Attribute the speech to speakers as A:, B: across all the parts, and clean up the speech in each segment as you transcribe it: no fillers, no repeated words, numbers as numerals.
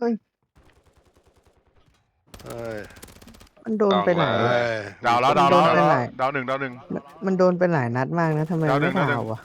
A: อ้ย
B: เอ้ย
A: มันโดน
C: ต้องเล
A: ไปหลาย
B: เอ้
C: ย
B: ย
C: ดาวแล้ว
A: มันโด
C: ดาวแล้ว
A: นไปหลาย
C: ดาวหนึ่งดาวหนึ่ง
A: มันโดนไปหลายนัดมากนะทำไมไม่
C: ดาวหนึ่งดาวหนึ่ง
A: ดาววะ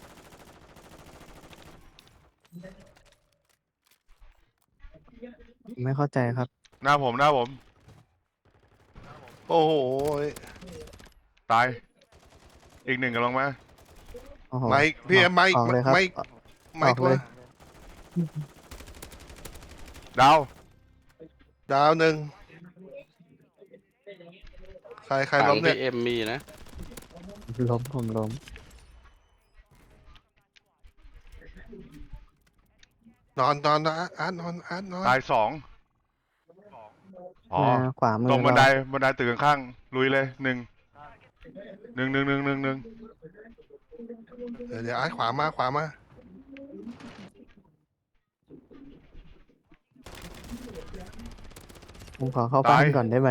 A: ไม่เข้าใจครับ
C: หน้าผมหน้าผม
B: โอ้โห
C: ตายอีกหนึ่งกำลังมา
A: โอ้โห
B: ไม่พี่ไม่
A: ออกเลยครับ
B: ไม่
A: อ
B: ไม่ตัว
A: อกเลย
C: ดาว
B: ดาวหนึ่งใคร
C: หลั
B: ล้
C: ง
B: มเนี่
C: พี่
B: ย
C: เอ็มมีนะ
A: ล้มผมล้ม
B: นอนนะอาร์ตนอนอาร์ตนอน
C: ตายสองอ๋อ
A: ขวามือ
C: ตรงบันได
A: เรา
C: บันไดตึกข้างๆลุยเลยหนึ่ง
B: เดี๋ยวอาร์ตขวามา
A: ผมขอเข้าบ้านก่อนได้ไหม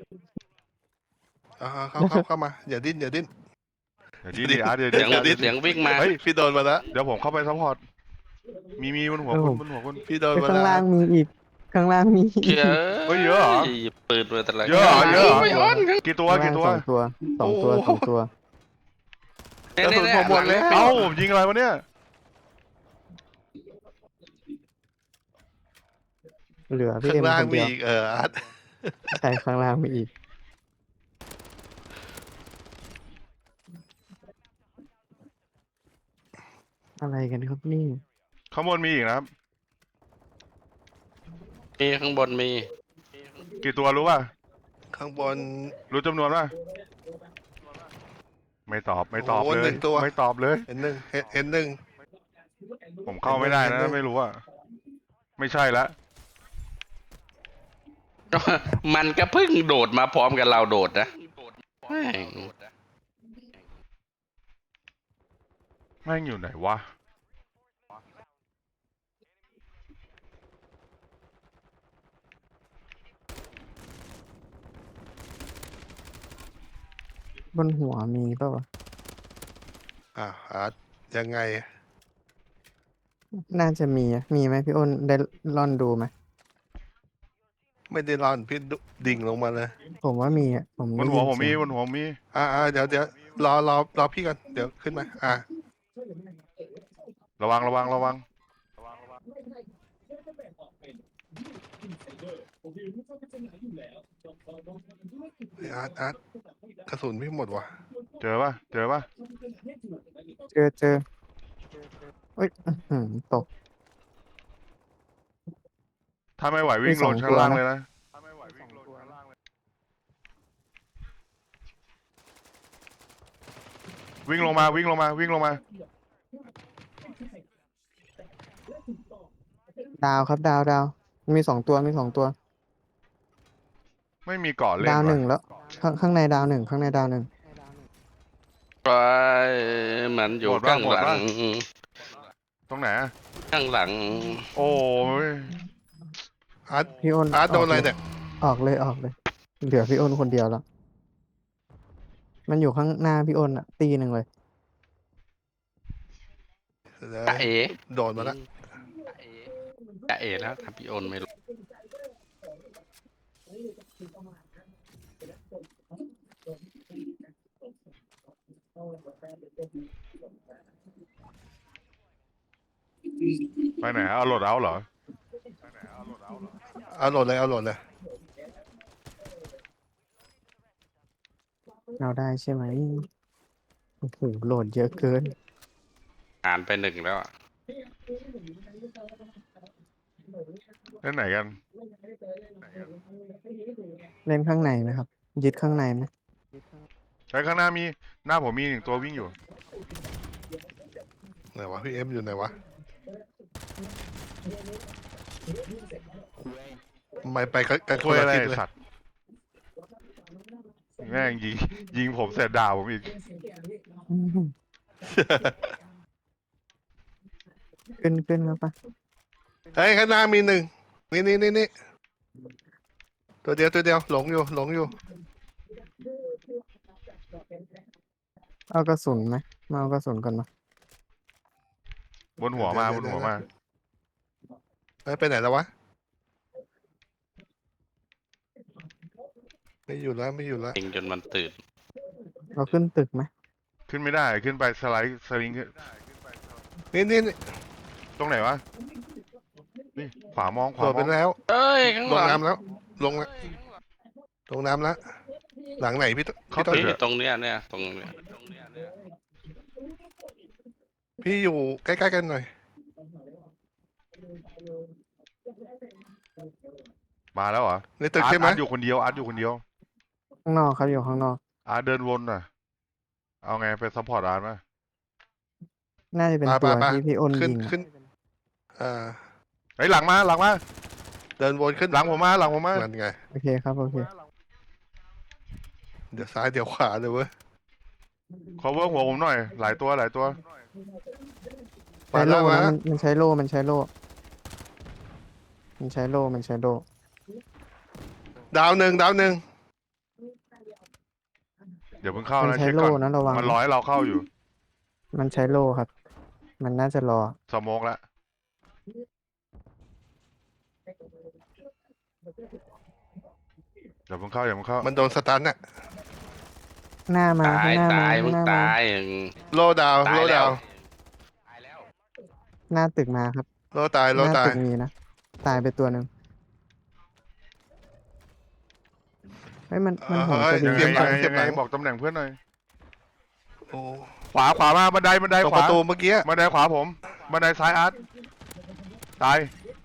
B: เข้ามาอย่าดิ้น
C: เดี๋ยวดีดิอาร์ตเดี๋ยว
B: เสี
C: ดี
B: ยง
C: เดี๋ยวดี
B: เสียงวิ่งมา
C: เฮ้ย
B: พี่โดนมาแล้ว
C: เดี๋ยวผมเข้าไปซัพพอร์ตมีบนหัวคุณบนหัวคุณ
B: พี่โดน
A: ไป
B: มา
A: ข้าง
B: แล้ว
A: ล่างมีอีกข้างล่างมีอี
D: เชื่อก
C: เฮ้ยเยอะเหรอ
D: ปืนมาแต่ละ
C: เยอะเหรอเยอะเหรอ
D: ไม่อ้อน
C: กี่ตัว
A: ข้างล่า
C: กี่
A: ง
C: ตัว
A: สองตัว
B: กระสุนผมหมดแล้ว
C: เอ้าผมยิงอะไรวะเนี่ย
A: เหลือพี่
B: ข้า
A: เอ็
B: ง
A: ม
B: ล่าง
A: คน
B: มี
A: เดียว
B: อีกอาร์ต
A: ใช่ข้างล่างมีอีกอะไรกันครับนี่
C: ข้างบนมีอีกนะครับ
D: มีข้างบนมี
C: กี่ตัวรู้ป่ะ
B: ข้างบน
C: รู้จำนวนป่ะไม่ตอบ
B: โอ้โห
C: เลย
B: หนึ่งตัว
C: ไม่ตอบเลย
B: เห็นหนึ่ง
C: ผมเข้าไม่ได้นะ
B: เห็นด้วย
C: ไม่รู้อ่ะไม่ใช่ละ
D: มันก็เพิ่งโดดมาพร้อมกับเราโดดนะแม่ง
C: แม่งอยู่ไหนวะ
A: บนหัวมีเปล่าวะ
B: อาร์ตยังไง
A: น่าจะมีอะมีไหมพี่อ้นได้ล่อนดูไหม
B: ไม่ได้ร่อนพี่ดิ่งลงมาเลย
A: ผมว่ามีอ่ะผม
C: บ
A: ได้
C: นหั
A: ยิ
C: วน ผม
A: เสี
C: มี
A: ยง
C: บนหัวผมมี
B: เดี๋ยวรอพี่ก่อนเดี๋ยวขึ้นมา
C: ระวัง
B: อาร์ตกระสุนพี่หมดว่ะ
C: เจอป่ะ
A: เจอเอ้ยตก
C: ถ้าไม่ไหววิ่ง
A: มีส
C: ล
A: อง
C: งชั้นล่าง
A: ตัวนะ
C: เลยนะวิ่งลงมา
A: ดาวครับดาวมีสองตัว
C: ไม่มีเกาะเล่น
A: ดาวหนึ่
C: ว่ะ
A: งแล้วข้างในดาวหนึ่ง
D: ไปมันอยู่ข้างหลัง
C: ตรงไหนอะ
D: ข้างหลัง
C: โอ้ย
B: อาร์ต
A: พี่อ้น
B: อาร์ตโดนอะไรเนี่ย
A: ออกเลยเหลือพี่อ้นคนเดียวแล้วมันอยู่ข้างหน้าพี่อ้นอ่ะตีหนึ่งเลย
B: เดี๋ยว
D: จะเอ๋
B: โดนมาแล้ว
D: จะเอ๋แล้วทำพี่โอนไม่รู้
C: ไปไหนเอาโหลดเอาเหรอ
B: เอาโหลดเลย
A: เอาได้ใช่ไหมโอ้โหโหลดเยอะเกิน
D: อ่านไปหนึ่งแล้วอะ
C: เล่นไหนกัน
A: เล่นข้างในไหมครับยึดข้างในไหม
C: ใช้ข้างหน้ามีหน้าผมมีหนึ่งตัววิ่งอยู่
B: ไหนวะพี่เอ็มอยู่ไหนวะไม่ไปกันค
C: คุย
B: นละ
C: อะไร
B: ทิศ
C: ไอ้
B: เลย
C: สัตว์แม่งยิงผมเสร็จด่าผมอีก
A: ขึ้นแล้วปะ
B: เฮ้ยข้างหน้ามีหนึ่งนี่ตัวเดียวหลงอยู่
A: เอากระสุนไหมมาเอากระสุนก่อนมา
C: บนหัวมา
B: เฮ้ยไปไหนแล้ววะไม่อยู่แล้วไม่อยู่แล้ว
D: เองจนมันตื่น
A: เราขึ้นตึกไหม
C: ขึ้นไม่ได้ขึ้นไปสไลด์สลิงขึ้น
B: นี่
C: ตรงไหนวะนี่ขวามองข
B: โด
C: วา
B: ด
C: ม
B: ไป
C: อง
B: แล้ว
D: เอ้ยข้าง
B: ล
D: ห
B: ง
D: ลัง
B: น้ำแล้วลงแล้วลงน้ำแล้วหลังไหนพี่ต้น
D: นี่ตรงเนี้ยเนี่ยตรงเนี้ย
B: พี่อยู่ใกล้ๆกันหน่อย
C: มาแล้วเหรอ
B: ในตึกใช่ไหม
C: อาร์ตอยู่คนเดียวอาร์ตอยู่คนเดียว
A: ข้างนอกครับอยู่ข้างนอก
C: อาร์ตเดินวนน่ะ เอาไงไปซัพพอร์ตอาร์ตไหม
A: น่าจะเป็นตัวที่พี่อ้น
B: ขึ้น
A: ยิงอะ
B: ขึ้นอ่า
C: เฮ้ยหลังมาหลังมา
B: เดินวนขึ้น
C: หลังผมมาหลังผมมา
B: นั่นไง
A: โอเคครับโอเค
B: เดี๋ยวซ้ายเดี๋ยวขวาเลยเว้ย
C: cover หัวผมหน่อย หลายตัวหลายตัว
A: ใช้โล่
B: มา
A: นะ
B: แล้ว
A: มันใช้โล่มันใช้โล่มันใช้โล่มันใช้โล่
B: ดาวหนึ่ง
C: เดี๋ยวเพิ่งเข้า
A: มัน
C: นะ
A: ใช้
C: เช็ค
A: โล่
C: ก่อน
A: นะระวัง
C: มันร้อยเราเข้าอยู่
A: มันใช้โล่ครับ มันน่าจะรอ
C: สโมกแล้วเดี๋ยวเพิ่งเข้าอย่าเพิ่งเข้า
B: มันโดนสตันน่ะ
A: หน้ามา
D: ตาย
A: ข้างหน้ามา
D: ตายมึ
A: ข้าง
D: ง
A: หน้ามา
D: ตาย
B: โลดาว
D: ตาย
B: โล
D: แล้
B: ดาว ว
A: หน้าตึกมาครับ
B: โลตาย
A: ห
B: โล
A: น้า
B: ตาย
A: ตึกมีนะตายไปตัวหนึ่งเฮ้ยมันโหนสวิ
C: ยัง งไง
A: ขึ้น
C: ยั
A: ไป
C: งไงยังไงบอกตำแหน่งเพื่อนหน่อย
B: โอ้
C: ขวาขวามาบันไดบันได
B: ตรง
C: ข
B: ป
C: วา
B: ระตูเมื่อกี้
C: บันไดขวาผมบันไดซ้ายอาร์ตตาย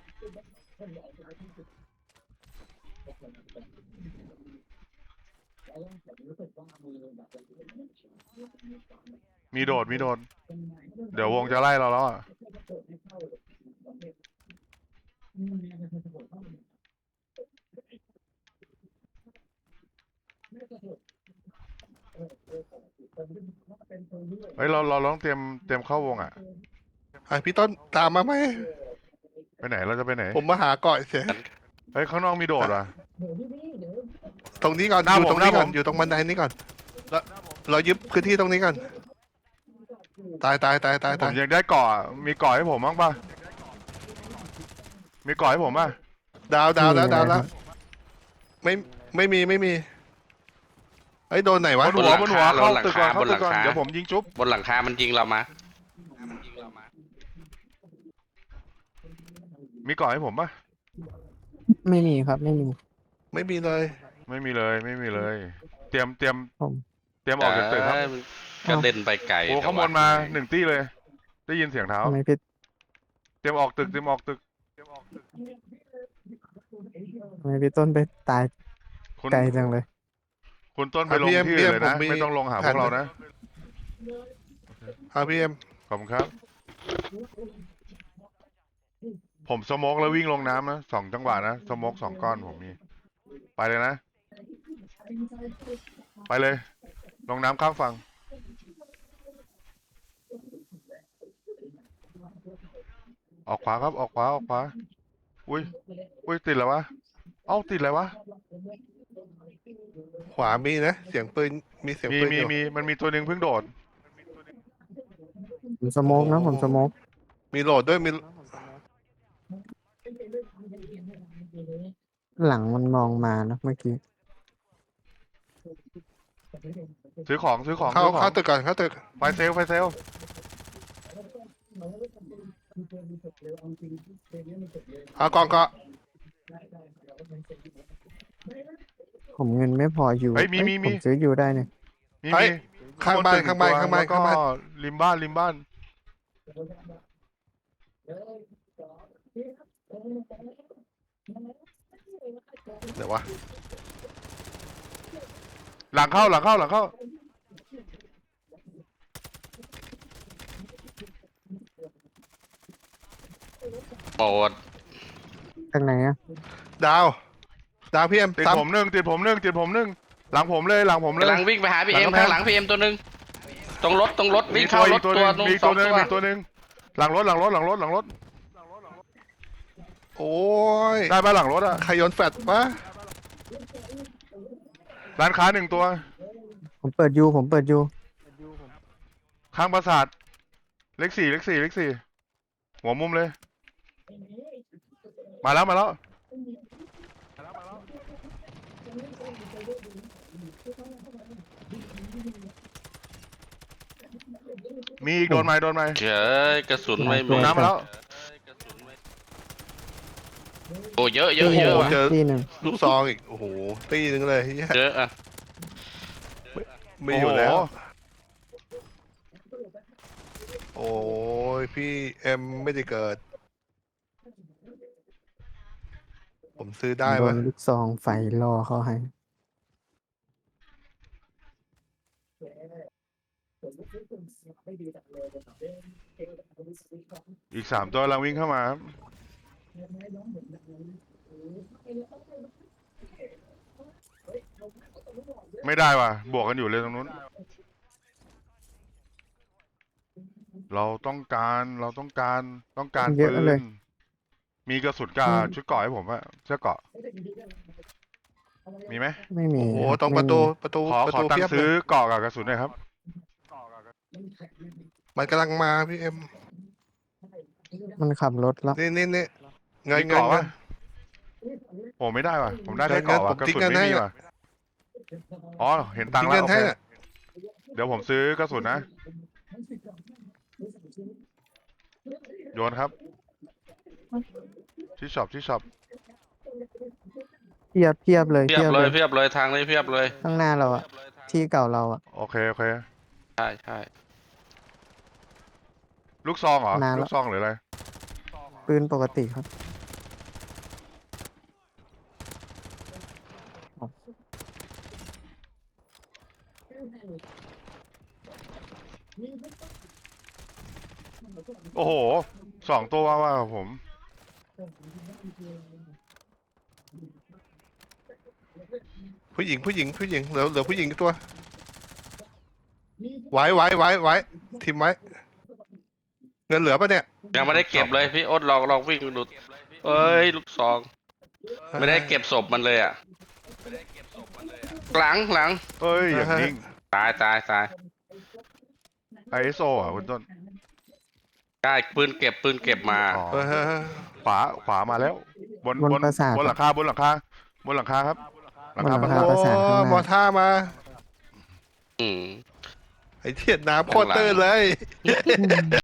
C: มีโดดมีโดด เดี๋ยววงจะไล่เราแล้วอ่ะ เฮ้ยเราต้องเตรียมเข้าวงอ่ะ
B: พี่ต้นตามมาไหม
C: ไปไหนเราจะไปไหน
B: ผมมาหาเกาะเฉย
C: เฮ้ยข้างนอกมีโดดว่ะ
B: ตรงนี้ก่อน
C: หน้า
B: อยู่
C: ผม
B: ตรงนี้
C: หน้า
B: ก่อน
C: ผม
B: อยู่ตรงบันไดนี้ก่อนแล้วเรายึดพื้นที่ตรงนี้ก่อนตาย
C: ผมยังได้เกาะมีเกาะให้ผมบ้างป่ะมีเกาะให้ผมป่ะ
B: ดาวแล้ว
A: มีอะไร
B: ดาวแล้
A: คว รับ
B: ไม่มีเฮ้ยโดนไหนวะ
C: บนหัวเข้าตึกก่อนเข้าตึกก่อนเดี๋ยวผมยิงจุ๊บบ
D: นหลังคามันยิงเรามา
C: มีเกาะให้ผมป่ะ
A: ไม่มีครับไม่มี
B: ไม่มีเลย
C: ไม่มีเลยไม่มีเลย เตรียม
A: ผม
C: ออกจากตึกครับ
D: กระเด็นไปไกล
C: โอ้ข้างบนมา1 ตี้เลย ได้ยินเสียงเท้า
A: ทำไมพี่
C: เตรียมออกตึก
A: ทำไมพี่ต้นไปตาย
C: คุณ
A: ไกลจังเลย
C: คุณต้นไปลงที่อื่นเลยนะไม่ต้องลงหาพวกเรานะ
B: พี่เอ็ม
C: ขอบคุณครับ ผมสโมกแล้ววิ่งลงน้ำนะ2 จังหวะนะสโมก2 ก้อนผมมี ไปเลยนะ ไปเลย ลงน้ำข้ามฝั่งออกขวาครับออกขวาอุ้ยติดแล้ววะเอ้าติดแล้ววะ
B: ขวามีนะเสียงปืนมีเสียงปืนอยู่
C: มีมันมีตัวหนึ่งเพิ่งโดด
A: ผมสโมกนะผมสโมก
B: มีโหลดด้วยมี
A: หลังมันมองมานะเมื่อกี้
C: ซื้อของ
B: เข้าตึกก่อนเข้าตึก
C: ไฟเซลล
B: เอากองเกาะ
A: ผมเงินไม่พออยู่
C: เฮ้ยมี
A: ผมซื้ออยู่ได้เนี่ย
C: มี
B: ข้างบ้าน
C: ตัวแล้ว
B: ข้างบ้าน
C: ก็ริมบ้าน
B: เดี๋ยววะ
C: หลังเข้า
D: โปรด
A: จากไหนอะ
B: ดาวพี่เอ็ม
C: ติด
B: ซ้ำ
C: ผมหนึ่งหลังผมเลย
D: กำลังวิ่งไปหาพี่เอ็ม
C: หลังกำแพง
D: ข้างหลังพี่เอ็มตัวหนึ่งตรงรถวิ่งเข้ารถตัว
C: มี
D: ส
C: ตั
D: อ
C: ว
D: ง
C: หนึ่ง
D: ตัว
C: มีตัวหนึ่งหลังรถ
B: โอ้ย
C: ได้ป่ะหลังรถอ่ะ
B: ใครโยนแฟลชวะ
C: ร้านค้า1 ตัว
A: ผมเปิดยู
C: ข้างปราสาทเลข 4หัวมุมเลย มาแล้วมีอีกโดนไหมโดนไหม
D: เฉยกระสุนไม่
C: ล
D: มี
C: งน้ำมาแล้ว
D: โอ้เยอะเยอะเยอะว่ะ
B: เจอ
A: ตีหนึ่ง
B: ลูกซองอีกโอ้โหตีหนึงเลยเหี้ย
D: เยอะอ่ะ
B: ไม่อยู่แล้ว
C: โอ้โห
B: โอ้ยพี่เอ็มไม่ได้เกิด ผมซื้อได้
A: โด
B: ปะ
A: นลูกซองไฟล่อเขาให้
C: อีกสามตัวกำลังวิ่งเข้ามาครับไม่ได้ว่ะ บวกกันอยู่เลยตรงนู้น เราต้องการ
A: เยอะ
C: ปื
A: เลย
C: น มีกระสุนกาชุดเกราะให้ผมอะเสื้อเกราะ มีไหม
A: ไม่มี
B: โอ้โห
A: ครับ
B: ตรง
A: ไม่
B: ประตู
A: มี
B: ประตู
C: ขอตัง
B: เพียบ
C: ค์
B: เล
C: ซื้อย เกราะกับกระสุนหน่อยครับ
B: มันกำลังมาพี่เอ็ม
A: มันขับรถแล้ว
B: นี่เงิน
C: มี
B: เงิน
C: เกราะ
B: เงิ
C: ปะ
B: น
C: โอ้ไม่ได้ว่ะ ผมได้แค่
B: เงิน
C: เกราะว่ะ
B: ผม
C: กระ
B: ทิ้ง
C: สุน
B: เงิน
C: ไม่มี
B: ให้
C: ว่ะ อ๋อ เห็นตัง
B: ทิ้
C: ค์
B: ง
C: แล้
B: เงิ
C: วน โอ
B: ให้
C: เค
B: น่ะ
C: เดี๋ยวผมซื้อกระสุนนะ โยนครับ ที่ช็อป
A: เทียบเลย
D: เพียบเลยเพียบเลยทางนี้เพียบเลย
A: ข้างหน้าเราอะที่เก่าเราอะ
C: โอเค
D: ใช่ใช่
C: ลูกซองเหรอ
A: นานแล้ว
C: ลูกซองหรืออะไร
A: ปืนปกติครับ
C: โอ้โห2 ตัวว่าผม
B: ผู้หญิงเหลือผู้หญิงอีกตัว ไว้ทิมไว้ เงินเหลือปะเนี่ย
D: ยังไม่ได้เก็บเลยพี่อ้นลองวิ่งดูเอ้ยลูกซอง ไม่ได้เก็บศพมันเลยอ่ะหลัง
C: เอ้ย อย่างนิ่ง
D: ตาย
C: ISO อ่ะคุณต้น
D: ได้ปืนเก็บมา
C: อ๋อ
B: เออ
C: ขวามาแล้ว บน
A: บนปราสาท
C: บนหลังคาบนหลังคาครับ หลังคา
A: บนหลัง
C: ป
A: คา
C: ระตู
A: ประสานข้างหน้า
B: มอท่ามา
D: อืม
B: ไอ้เทียดน้ำโคตรตื้นเลย